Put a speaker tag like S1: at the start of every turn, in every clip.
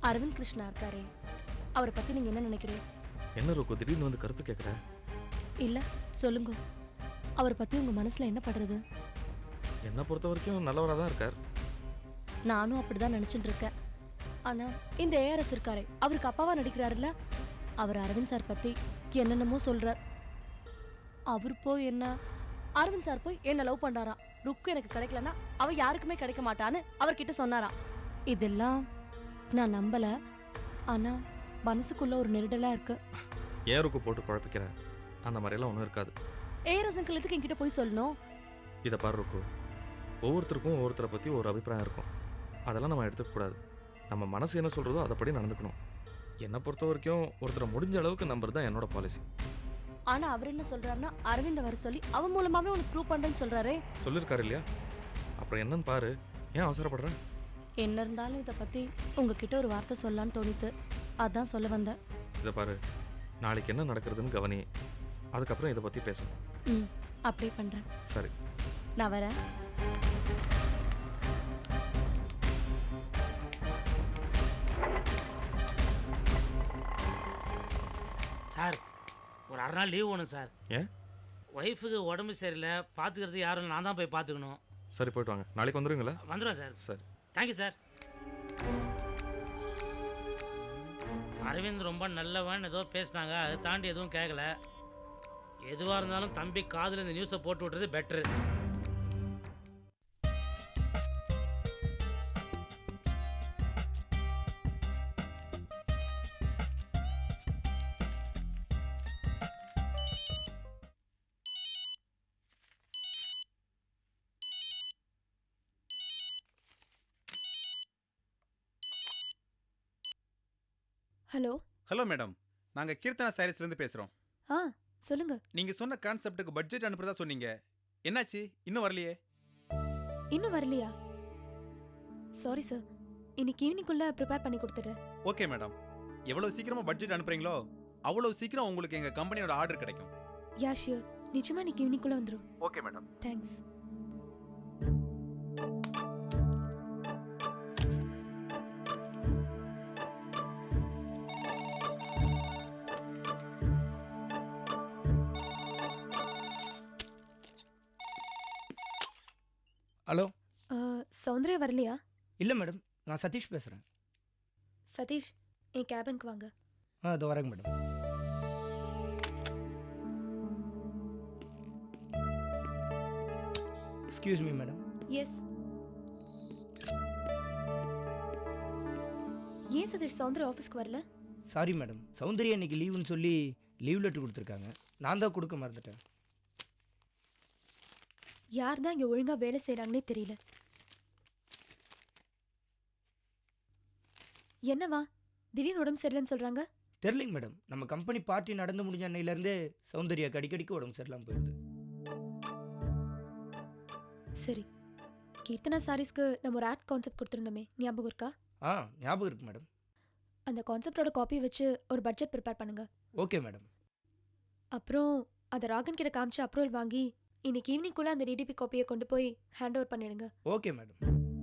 S1: அரவிந்த் கிருஷ்ணா இருக்காரே, அவரை பத்தி நீங்க என்ன நினைக்கிறீங்க?
S2: என்ன ருக்கு திடீர்னு வந்து கருத்து கேட்குற?
S1: இல்ல, சொல்லுங்க. அவரை பத்தி உங்க மனசுல என்ன படுறது?
S2: என்னை பொறுத்த வரைக்கும் நல்லவராக தான் இருக்கார்.
S1: நானும் அப்படிதான் நினைச்சிட்டு இருக்கேன். ஆனா இந்த ஏஆர்எஸ் இருக்காரே, அவருக்கு அப்பாவா நடிக்கிறாருல்ல, அவர் அரவிந்த் சார் பத்தி என்னென்னமோ சொல்றார். அவர் போய் என்ன, அரவிந்த் சார் போய் என்ன லவ் பண்ணாராம். ருக்கு எனக்கு கிடைக்கலன்னா அவ யாருக்குமே கிடைக்க மாட்டான்னு அவர்கிட்ட சொன்னாராம். இதெல்லாம் நான் நம்பல. ஆனா மனசுக்குள்ள ஒரு நெருடலா இருக்கு.
S2: ஏன் ருக்கு போட்டு குழப்பிக்கிற? அந்த மாதிரியெல்லாம் ஒன்றும் இருக்காது.
S1: ஏஆர்எஸ் அங்கிளுக்கு என்கிட்ட போய் சொல்லணும்.
S2: இதை பாரு ருக்கு, ஒவ்வொருத்தருக்கும் ஒவ்வொருத்தரை பற்றி ஒரு அபிப்பிராயம் இருக்கும். அதெல்லாம் நம்ம எடுத்துக்கக்கூடாது. நம்ம மனசு என்ன சொல்கிறதோ அதைப்படி நடந்துக்கணும். என்னை பொறுத்த வரைக்கும் ஒருத்தரை முடிஞ்ச அளவுக்கு நம்புறது தான் என்னோட பாலிசி.
S1: ஆனா அவர் என்ன சொல்றாருன்னா, அரவிந்த வர சொல்லி அவன் மூலமாவே உனக்கு ப்ரூவ் பண்றேன்னு சொல்றாரே.
S2: சொல்லியிருக்காரு இல்லையா? அப்புறம் என்னன்னு பாரு. ஏன் அவசரப்படுற?
S1: என்ன இருந்தாலும் இதை பத்தி உங்ககிட்ட ஒரு வார்த்தை சொல்லலான்னு தோணித்து, அதான் சொல்ல வந்தேன்.
S2: இதை பாரு, நாளைக்கு என்ன நடக்கிறதுன்னு கவனி. அதுக்கப்புறம் இதை பற்றி பேசணும்.
S1: ம், அப்படியே பண்றேன்.
S2: சரி,
S1: நான் வரேன்.
S3: சார், ஒரு அரை நாள் லீவ் வேணும் சார்.
S2: ஏன்?
S3: ஒய்ஃபுக்கு உடம்பு சரியில்லை, பார்த்துக்கிறது யாரும் நான் தான் போய் பார்த்துக்கணும்.
S2: சரி, போயிட்டு வாங்க. நாளைக்கு வந்துடுங்களா?
S3: வந்துடுவேன் சார்.
S2: சரி,
S3: தேங்க்யூ சார். அரவிந்த் ரொம்ப நல்லவன் ஏதோ பேசினாங்க, அதை தாண்டி எதுவும் கேட்கல. எதுவாக இருந்தாலும் தம்பி காதில் இந்த நியூஸை போட்டு விட்டுறது பெட்ரு.
S1: ஹலோ.
S4: ஹலோ மேடம், நாங்கள் கீர்த்தனா சாரீஸ்லேருந்து பேசுகிறோம்.
S1: ஆ, சொல்லுங்க.
S4: நீங்கள் சொன்ன கான்செப்ட்டுக்கு பட்ஜெட் அனுப்புறதா சொன்னீங்க. என்னாச்சு? இன்னும் வரலையே?
S1: இன்னும் வரலையா? சாரி சார், இன்னைக்கு ஈவினிங்குள்ள ப்ரிப்பேர் பண்ணி கொடுத்துட்றேன்.
S4: ஓகே மேடம், எவ்வளோ சீக்கிரமாக பட்ஜெட் அனுப்புறீங்களோ அவ்வளோ சீக்கிரம் உங்களுக்கு எங்கள் கம்பெனியோட ஆர்டர் கிடைக்கும்.
S1: யா ஷியோர், நிச்சயமா இன்னைக்கு ஈவினிங்குள்ள வந்துடும்.
S4: Okay madam.
S1: Thanks.
S5: Hello.
S1: Soundarya வரலையா?
S5: இல்லை மேடம், நான் சதீஷ் பேசுகிறேன்.
S1: சதீஷ், என் கேபினுக்கு வாங்க.
S5: இதோ வரேங்க madam. Excuse me madam.
S1: Yes. ஏன் சதீஷ் சௌந்தர்யா ஆஃபீஸ்க்கு வரல?
S5: சாரி மேடம், சௌந்தர்யா இன்னைக்கு லீவுன்னு சொல்லி லீவ் லெட்டர் கொடுத்துருக்காங்க. நான் தான் கொடுக்க மறந்துட்டேன்.
S1: யார் தான் இங்கே ஒழுங்காக வேலை செய்கிறாங்கன்னே தெரியல. என்னவா திடீர்னு உடம்பு சரியில்லைன்னு சொல்கிறாங்க?
S5: தெரியலைங்க மேடம், நம்ம கம்பெனி பார்ட்டி நடந்து முடிஞ்ச அன்னையிலேருந்தே சௌந்தர்யாக்கு அடிக்கடிக்கு உடம்பு சரியில்லாமல் போயிடுது.
S1: சரி, கீர்த்தனா சாரீஸ்க்கு நம்ம ஒரு ஆட் கான்செப்ட் கொடுத்துருந்தோமே, ஞாபகம் இருக்கா?
S5: ஞாபகம் இருக்கு மேடம்.
S1: அந்த கான்செப்டோட காப்பி வச்சு ஒரு பட்ஜெட் ப்ரிப்பேர் பண்ணுங்க.
S5: Okay madam.
S1: அப்புறம் அதை ராகன் கிட்ட காமிச்சு அப்ரூவல் வாங்கி இன்னைக்கு ஈவினிங்குள்ள அந்த டிடிபி காப்பியை கொண்டு போய் ஹேண்ட் ஓவர் பண்ணிடுங்க.
S5: Okay madam.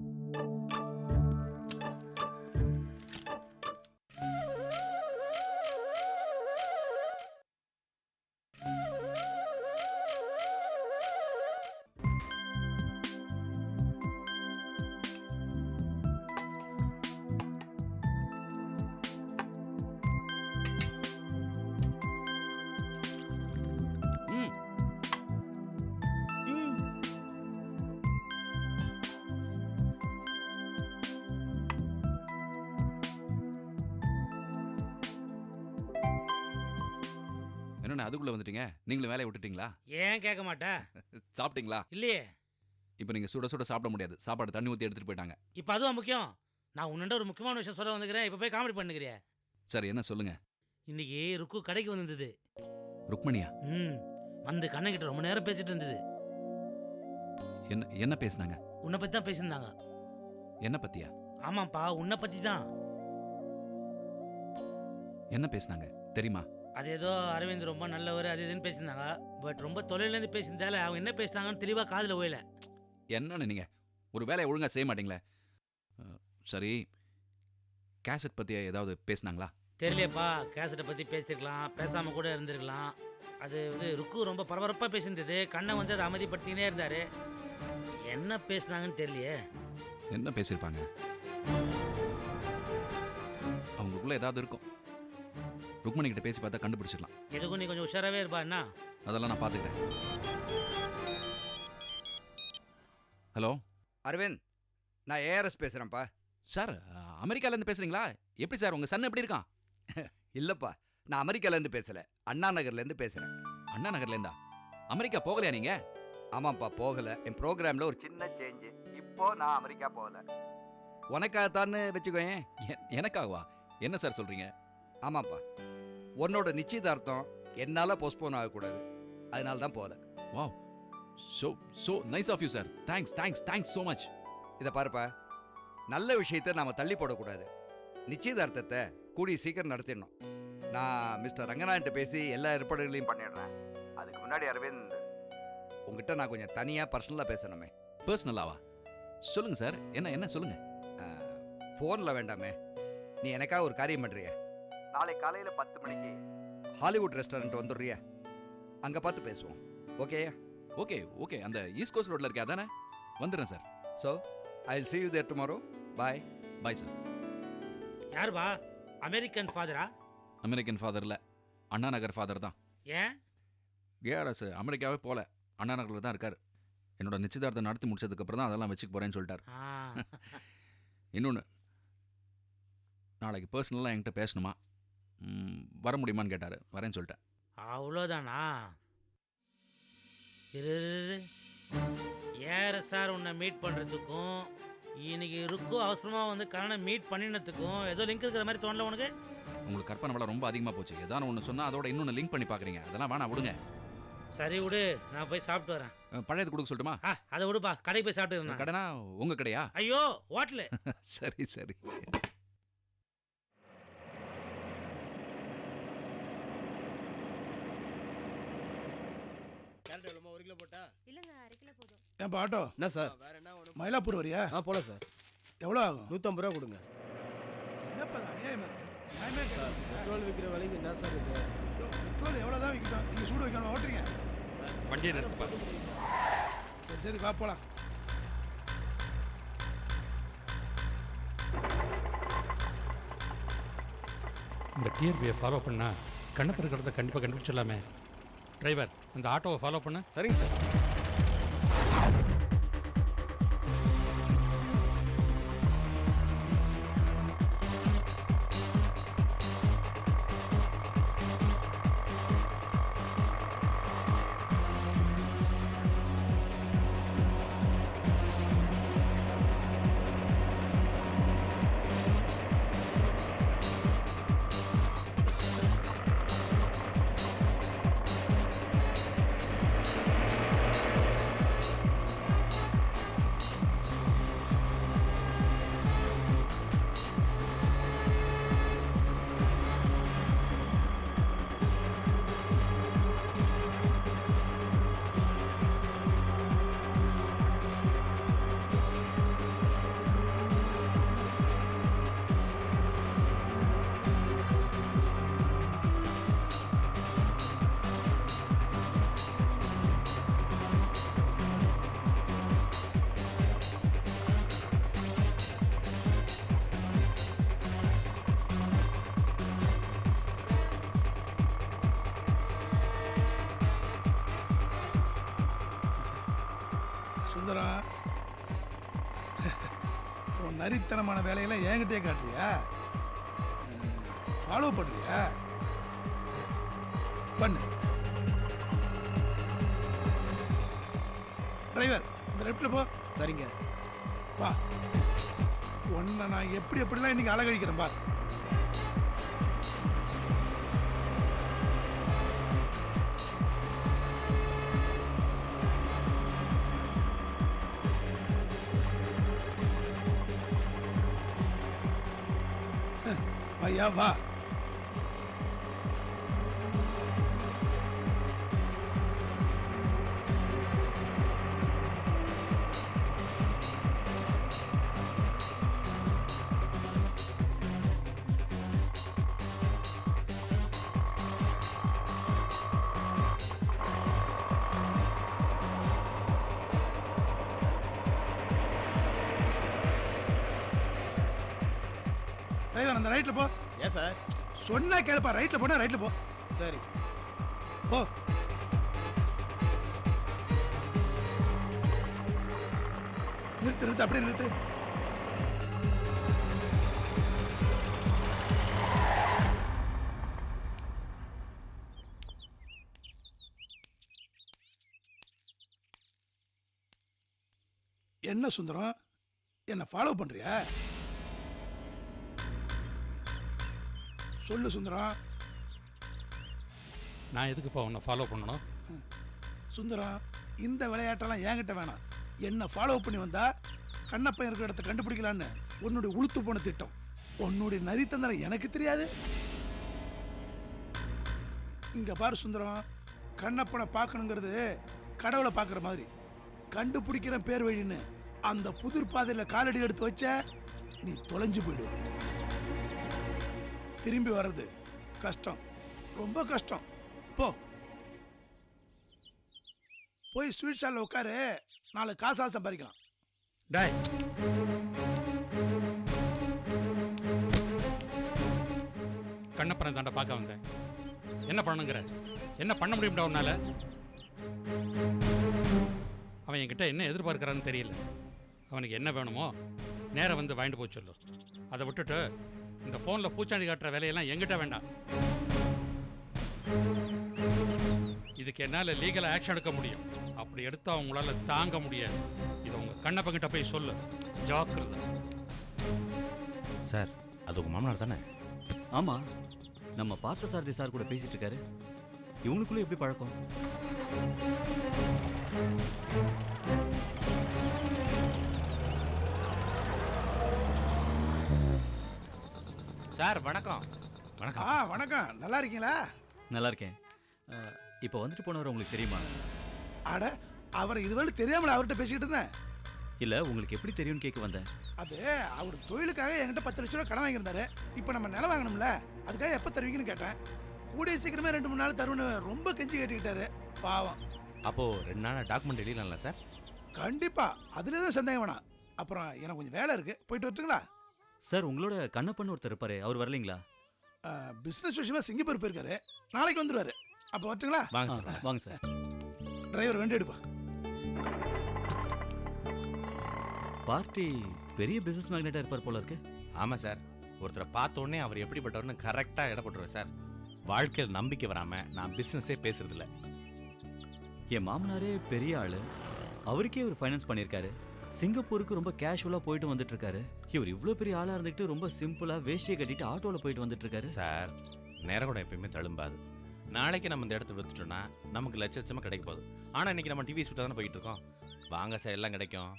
S6: என்னண்ணா அதுக்குள்ளே வந்துட்டீங்க? நீங்களும் வேலையை விட்டுட்டீங்களா?
S3: ஏன் கேட்க மாட்டேன்?
S6: சாப்பிட்டீங்களா?
S3: இல்லையே.
S6: இப்போ நீங்கள் சுட சுட சாப்பிட முடியாது. சாப்பாடு தண்ணி ஊற்றி எடுத்துகிட்டு போயிட்டாங்க.
S3: இப்போ அதுவும் முக்கியம். நான் உன்னிட்ட ஒரு முக்கியமான விஷயம் சொல்ல வந்துக்கிறேன். இப்போ போய் காமெடி பண்ணுகிறேன்.
S6: சரி, என்ன சொல்லுங்க.
S3: இன்னைக்கு ருக்கு கடைக்கு வந்திருந்தது.
S6: ருக்மணியா?
S3: வந்து கண்ணகிட்ட ரொம்ப நேரம் பேசிட்டு இருந்தது.
S6: என்ன என்ன பேசினாங்க?
S3: உன்னை பற்றி தான் பேசியிருந்தாங்க.
S6: என்ன பற்றியா?
S3: ஆமாப்பா, உன்னை பற்றி தான்.
S6: என்ன பேசினாங்க தெரியுமா?
S3: அது ஏதோ அரவிந்த் ரொம்ப நல்லவர் அது இதுன்னு பேசியிருந்தாங்க. பட் ரொம்ப தொலைலேருந்து பேசியிருந்தால அவங்க என்ன பேசினாங்கன்னு தெளிவாக காதில் ஓயல.
S6: என்னன்னு நீங்கள் ஒரு வேலையை ஒழுங்காக செய்ய மாட்டீங்களே. சரி, கேசட் பற்றி ஏதாவது பேசுனாங்களா?
S3: தெரியலையப்பா, கேசட்டை பற்றி பேசியிருக்கலாம், பேசாமல் கூட இருந்திருக்கலாம். அது வந்து ருக்கு ரொம்ப பரபரப்பாக பேசியிருந்தது. கண்ணை வந்து அதை அமைதிப்படுத்தினே இருந்தார். என்ன பேசுனாங்கன்னு தெரியலையே.
S6: என்ன பேசியிருப்பாங்க? அவங்களுக்குள்ள ஏதாவது இருக்கும். ருக்மணி கிட்ட பேசி பார்த்தா கண்டுபிடிச்சிடலாம்.
S3: எதுக்கும் நீ கொஞ்சம் உஷாராகவே இருப்பா. என்ன?
S6: அதெல்லாம் நான் பார்த்துக்கிறேன். ஹலோ
S7: அரவிந்த், நான் ஏஆர்எஸ் பேசுகிறேன்ப்பா.
S6: சார், அமெரிக்காலேருந்து பேசுகிறீங்களா? எப்படி சார், உங்கள் சன் எப்படி இருக்கான்?
S7: இல்லைப்பா, நான் அமெரிக்காலேருந்து பேசலை, அண்ணா நகர்லேருந்து பேசுகிறேன்.
S6: அண்ணா நகர்லேருந்தா? அமெரிக்கா போகலையா நீங்கள்?
S7: ஆமாப்பா, போகலை. என் ப்ரோக்ராமில் ஒரு சின்ன சேஞ்சு. இப்போ நான் அமெரிக்கா போகலை. உனக்காகத்தான்னு வச்சுக்கோயேன்.
S6: எனக்காகவா? என்ன சார் சொல்கிறீங்க?
S7: ஆமாப்பா, உன்னோட நிச்சயதார்த்தம் என்னால் போஸ்ட்போன் ஆகக்கூடாது, அதனால தான் போகலை.
S6: Wow, so nice of you sir. Thanks so much.
S7: இதை பாருப்பா, நல்ல விஷயத்தை நாம் தள்ளி போடக்கூடாது. நிச்சயதார்த்தத்தை கூடிய சீக்கிரம் நடத்திடணும். நான் மிஸ்டர் ரங்கநாயன்ட்ட பேசி எல்லா ஏற்பாடுகளையும் பண்ணிடுறேன். அதுக்கு முன்னாடி அரவிந்த், உங்ககிட்ட நான் கொஞ்சம் தனியாக பர்சனலாக பேசணுமே.
S6: பர்சனலாவா? சொல்லுங்க சார். என்ன சொல்லுங்க.
S7: ஃபோனில் வேண்டாமே. நீ எனக்காக ஒரு காரியம் பண்ணுறிய? நாளை காலையில் 10 மணிக்கு ஹாலிவுட் ரெஸ்டாரண்ட் வந்துடுறியா? அங்கே பார்த்து பேசுவோம். ஓகேயா?
S6: ஓகே. அந்த ஈஸ்ட் கோஸ்ட் ரோட்ல இருக்கே, அதானே? வந்துடுறேன் sir.
S7: So I will see you there tomorrow. Bye.
S6: Bye sir.
S3: யாருப்பா? அமெரிக்கன் ஃபாதரா?
S6: அமெரிக்கன் ஃபாதர் இல்லை, அண்ணா நகர் ஃபாதர் தான்.
S3: ஏன்?
S6: ஏஆர்எஸ் அமெரிக்காவே போல, அண்ணா நகரில் தான் இருக்கார். என்னோட நிச்சயதார்த்தம் நடத்தி முடிச்சதுக்கப்புறம் தான் அதெல்லாம் வச்சுக்க போகிறேன்னு சொல்லிட்டார். இன்னொன்று, நாளைக்கு பர்சனலாக என்கிட்ட பேசணுமா, வர முடியுமான்னு கேட்டார். வரேன்னு சொல்லிட்டேன்.
S3: அவ்வளோதானா? ஏற சார் உன்னை மீட் பண்ணுறதுக்கும் இன்னைக்கு இருக்கும் அவசரமாக வந்து கண்ணனை மீட் பண்ணினதுக்கும் ஏதோ லிங்க் இருக்கிற மாதிரி தோணல உனக்கு?
S6: உங்களுக்கு கற்பனை வள ரொம்ப அதிகமாக போச்சு. ஏதாவது ஒன்று சொன்னால் அதோட இன்னொன்று லிங்க் பண்ணி பார்க்குறீங்க. அதெல்லாம் வேணாம், விடுங்க.
S3: சரி விடு, நான் போய் சாப்பிட்டு வரேன்.
S6: பழையது கொடுக்க சொல்லட்டுமா?
S3: அதை விடுப்பா, கடைக்கு போய் சாப்பிட்டு.
S6: கடைனா உங்கள் கடையா?
S3: ஐயோ, ஹோட்டலு.
S6: சரி.
S1: இல்லங்க, 1/2 கிலோ போதும்.
S8: ஏன்பா ஆட்டோ?
S9: என்ன சார்?
S8: மயிலாப்பூர் வரியா?
S9: போகலாம் சார்.
S8: எவ்வளோ ஆகும்?
S9: 150 ரூபா கொடுங்க.
S8: என்னப்பா இது அநியாயமா இருக்கு. நியாயமே
S9: சார், பெட்ரோல் விற்கிற விலைக்கு என்ன சார் இது?
S8: பெட்ரோல் எவ்வளோ தான் விற்கட்டும், நீங்கள் சூடு வைக்கணும் ஓட்டுறீங்க.
S6: வண்டியை நிறுத்துப்பா.
S8: சரி வா போகலாம்.
S10: இந்த டிஆர்பியை ஃபாலோ பண்ணால் கண்ணத்தில் இருக்கிறத கண்டிப்பாக கண்டுபிடிச்சிடலாமே. டிரைவர், அந்த ஆட்டோவை ஃபாலோ பண்ண.
S9: சரிங்க சார்.
S8: சுந்தரம், உன் நரித்தனமான வேலையெல்லாம் என்கிட்டயே காட்டுறியா? ஃபாலோ பண்ணுறியா? பண்ணு. டிரைவர், இந்த லெஃப்டில் போ.
S9: சரிங்க.
S8: வா, உன்னை நான் எப்படிலாம் இன்னைக்கு அழகழிக்கிறேன் பார். ஐயா வா. டிரைவர் அந்த ரைட்ல போ.
S9: ஏன் சார்?
S8: சொன்னா கேளுப்பா, ரைட்ல போனா ரைட்ல போ.
S9: சரி.
S8: போ. நிறுத்து நிறுத்து, அப்படியே நிறுத்து. என்ன சுந்தரம், என்ன ஃபாலோ பண்றியா? சொல்லு சுந்தரம்.
S10: நான் எதுக்குப்பா உன்னை ஃபாலோ பண்ணணும்?
S8: சுந்தரம், இந்த விளையாட்டெல்லாம் என்கிட்ட வேணாம். என்ன ஃபாலோ பண்ணி வந்தா கண்ணப்பன் இருக்கிற இடத்த கண்டுபிடிக்கலான்னு உன்னுடைய உளுத்து போன திட்டம். உன்னுடைய நரித்தந்திரம் எனக்கு தெரியாது. இங்க பாரு சுந்தரம், கண்ணப்பனை பார்க்கணுங்கிறது கடவுளை பார்க்குற மாதிரி. கண்டுபிடிக்கிற பேர் வழின்னு அந்த புதிர் பாதையில் காலடி எடுத்து வச்ச நீ தொலைஞ்சு போயிடுவ. திரும்பி வர்றது கஷ்டம், ரொம்ப கஷ்டம். போ, போய் ஸ்வீட் ஸ்டாலில் உட்காரு, நாலு காசா சம்பாதிக்கலாம்.
S2: டாய்,
S10: கண்ணப்பனை தாண்ட பார்க்க வந்தேன். என்ன பண்ணுங்கிற? என்ன பண்ண முடியும்டா உன்னால? அவன் என்கிட்ட என்ன எதிர்பார்க்கறான்னு தெரியல. அவனுக்கு என்ன வேணுமோ நேரா வந்து வாங்கிட்டு போய் சொல்லு. அதை விட்டுட்டு இந்த ஃபோனில் பூச்சாண்டி காட்டுற வேலையெல்லாம் என்கிட்ட வேண்டாம். இதுக்கு என்னால் லீகலாக ஆக்ஷன் எடுக்க முடியும். அப்படி எடுத்தால் அவங்களால தாங்க முடியாது. இதை உங்கள் கண்ணப்பங்கிட்ட போய் சொல்லு. ஜாக்கிரதை.
S11: சார், அது உங்கள் மாமனார் தானே?
S12: ஆமாம், நம்ம பார்த்தசாரதி சார் கூட பேசிட்டு இருக்காரு. இவங்களுக்குள்ள எப்படி பழக்கம்?
S11: சார் வணக்கம். வணக்கம்.
S8: வணக்கம். நல்லா இருக்கீங்களா?
S12: நல்லா இருக்கேன். இப்போ வந்துட்டு போனவர் உங்களுக்கு தெரியுமா?
S8: அட, அவர் இதுவரை தெரியாமல் அவர்கிட்ட பேசிக்கிட்டு இருந்தேன்.
S12: இல்லை, உங்களுக்கு எப்படி தெரியும்னு கேட்க வந்தேன்.
S8: அது அவர் தொழிலுக்காக என்கிட்ட 10 லட்ச ரூபா கடன் வாங்கியிருந்தாரு. இப்போ நம்ம நிலம் வாங்கணும்ல, அதுக்காக எப்போ தருவீங்கன்னு கேட்டேன். கூடிய சீக்கிரமே 2-3 நாள் தருவன்னு ரொம்ப கெஞ்சி கேட்டுக்கிட்டாரு. பாவம்.
S11: அப்போ 2 நாள் டாக்குமெண்ட் எழுதலாம்ல சார்?
S8: கண்டிப்பா, அதுல எதுவும் சந்தேகம் வேணாம். அப்புறம் எனக்கு கொஞ்சம் வேலை இருக்கு, போயிட்டு வரட்டுங்களா?
S12: சார், உங்களோட கண்ணப்பன் ஒருத்தர் இருப்பாரு, அவர் வரலீங்களா?
S8: பிசினஸ் விஷயமா சிங்கப்பூர் போயிருக்காரு, நாளைக்கு வந்துருவாரு. அப்போ வரட்டுங்களா?
S11: வாங்க சார்.
S12: வாங்க சார்.
S8: டிரைவர் வண்டி எடுப்பா.
S12: பார்ட்டி பெரிய பிசினஸ் மேக்னெட்டாக இருப்பார் போல இருக்கு.
S11: ஆமாம் சார், ஒருத்தரை பார்த்த உடனே அவர் எப்படிப்பட்டவர்னு கரெக்டாக இடப்பட்டுருவேன் சார். வாழ்க்கையில் நம்பிக்கை வராமல் நான் பிஸ்னஸே பேசுறதில்ல.
S12: என் மாமனாரே பெரிய ஆள், அவருக்கே இவர் ஃபைனான்ஸ் பண்ணியிருக்காரு. சிங்கப்பூருக்கு ரொம்ப கேஷுவலாக போயிட்டு வந்துட்டு இருக்காரு. இவர் இவ்வளோ பெரிய ஆளாக இருந்துக்கிட்டு ரொம்ப சிம்பிளாக வேஷ்டியை கட்டிட்டு ஆட்டோவில் போயிட்டு வந்துட்டு இருக்காரு.
S11: சார், நேரம் கூட எப்பயுமே தழும்பாது. நாளைக்கு நம்ம இந்த இடத்த விற்றுட்டோம்னா நமக்கு லட்சமாக கிடைக்க போகுது. ஆனால் இன்னைக்கு நம்ம டிவி ஸ்பீட்டாக தானே போயிட்டு இருக்கோம். வாங்க சார், எல்லாம் கிடைக்கும்.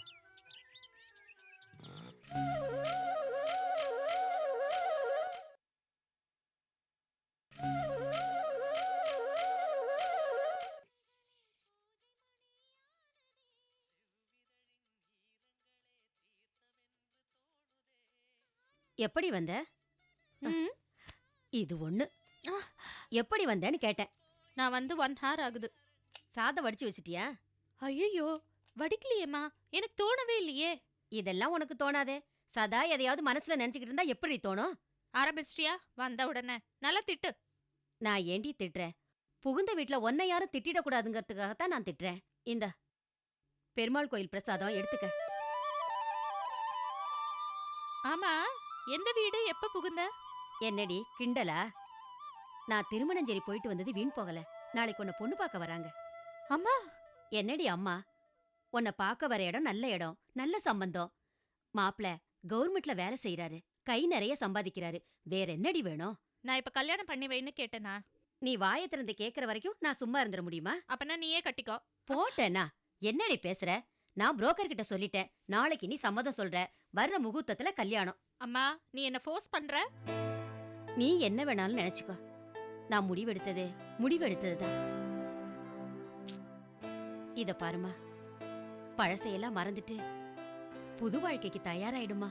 S13: எப்படி வந்த? இது ஒண்ணு. எப்படி வந்தேன்னு கேட்டேன்.
S14: நான் வந்து 1 hour ஆகுது.
S13: சாதம் வடிச்சு வச்சிட்டியா?
S14: ஐயோ, வடிக்கலையேம்மா, எனக்கு தோணவே இல்லையே.
S13: இதெல்லாம் உனக்கு தோணாதே. சதா எதையாவது மனசுல நினைச்சுக்கிட்டு இருந்தா எப்படி தோணும்?
S14: ஆரம்பிச்சிட்டியா? வந்த உடனே நல்லா திட்டு.
S13: நான் ஏண்டி திட்டுறேன்? புகுந்த வீட்டுல ஒன்னை யாரும் திட்டிடக்கூடாதுங்கிறதுக்காகத்தான் நான் திட்டுறேன். இந்த பெருமாள் கோயில் பிரசாதம் எடுத்துக்க.
S14: ஆமா, எந்த வீடு, எப்ப புகுந்த?
S13: என்னடி கிண்டலா? நான் திருமணஞ்சேரி போயிட்டு வந்தது வீண் போகல. நாளைக்கு உன்னை பொண்ணு பார்க்க வராங்க.
S14: அம்மா.
S13: என்னடி அம்மா? உன்னை பார்க்க வர இடம் நல்ல இடம், நல்ல சம்பந்தம். மாப்பிள கவர்மெண்ட்ல வேலை செய்யறாரு, கை நிறைய சம்பாதிக்கிறாரு. வேற என்னடி வேணும்?
S14: நான் இப்ப கல்யாணம் பண்ணி வைன்னு கேட்டேனா?
S13: நீ வாயை திறந்து கேட்கற வரைக்கும் நான் சும்மா இருந்துட முடியுமா?
S14: அப்பனா நீயே கட்டிக்கோ.
S13: போட்டேனா? என்னடி பேசுற? நான் புரோக்கர் கிட்ட சொல்லிட்டேன். நாளைக்கு நீ சம்மதம் சொல்ற. வர்ற முகூர்த்தத்துல கல்யாணம்.
S14: அம்மா, நீ என்ன ஃபோர்ஸ் பண்ற?
S13: நீ என்ன வேணாலும் நினைச்சுக்கோ. நான் முடிவெடுத்ததுதான். இத பாருமா, பழசையெல்லாம் மறந்துட்டு புது வாழ்க்கைக்கு தயாராயிடுமா.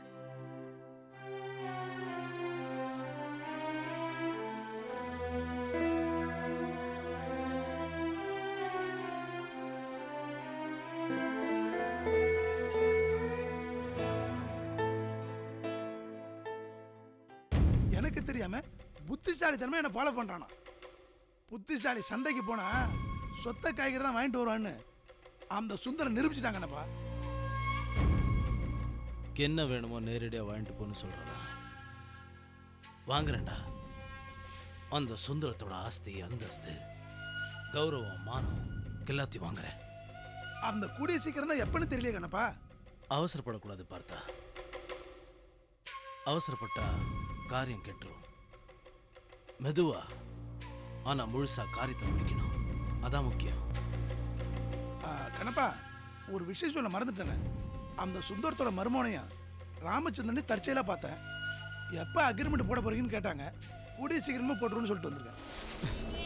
S8: எனக்கு தெரியாம புத்திசாலித்தனமா என்ன ஃபாலோ பண்றானா. புத்திசாலி சந்தைக்கு போனா சொத்த காய்கறி தான் வாங்கிட்டு வருவான்னு அந்த சுந்தரம் நிரூபிச்சுட்டாங்கன்னப்பா.
S9: என்ன வேணுமோ நேரடியாக வாங்கிட்டு போன்னு சொல்கிறதா? வாங்குறேன்டா. அந்த சுந்தரத்தோட ஆஸ்தி, அந்தஸ்து, கௌரவம், மானம் எல்லாத்தையும் வாங்குறேன்.
S8: அந்த கூடிய சீக்கிரம் தான் எப்பன்னு தெரியல கண்ணப்பா.
S9: அவசரப்படக்கூடாது பார்த்தா. அவசரப்பட்டா காரியம் கெட்டுரும். மெதுவா ஆனா முழுசா காரியத்தை முடிக்கணும். அதான் முக்கியம்.
S8: கண்ணப்பா, ஒரு விஷயம் சொல்ல மறந்துட்டேனே. அந்த சுந்தரத்தோட மருமகனையும் ராமச்சந்திரனை தற்செயலாக பார்த்தேன். எப்போ அக்ரிமெண்ட் போட போறீங்கன்னு கேட்டாங்க. கூடிய சீக்கிரமா போட்டுருன்னு சொல்லிட்டு வந்திருக்கேன்.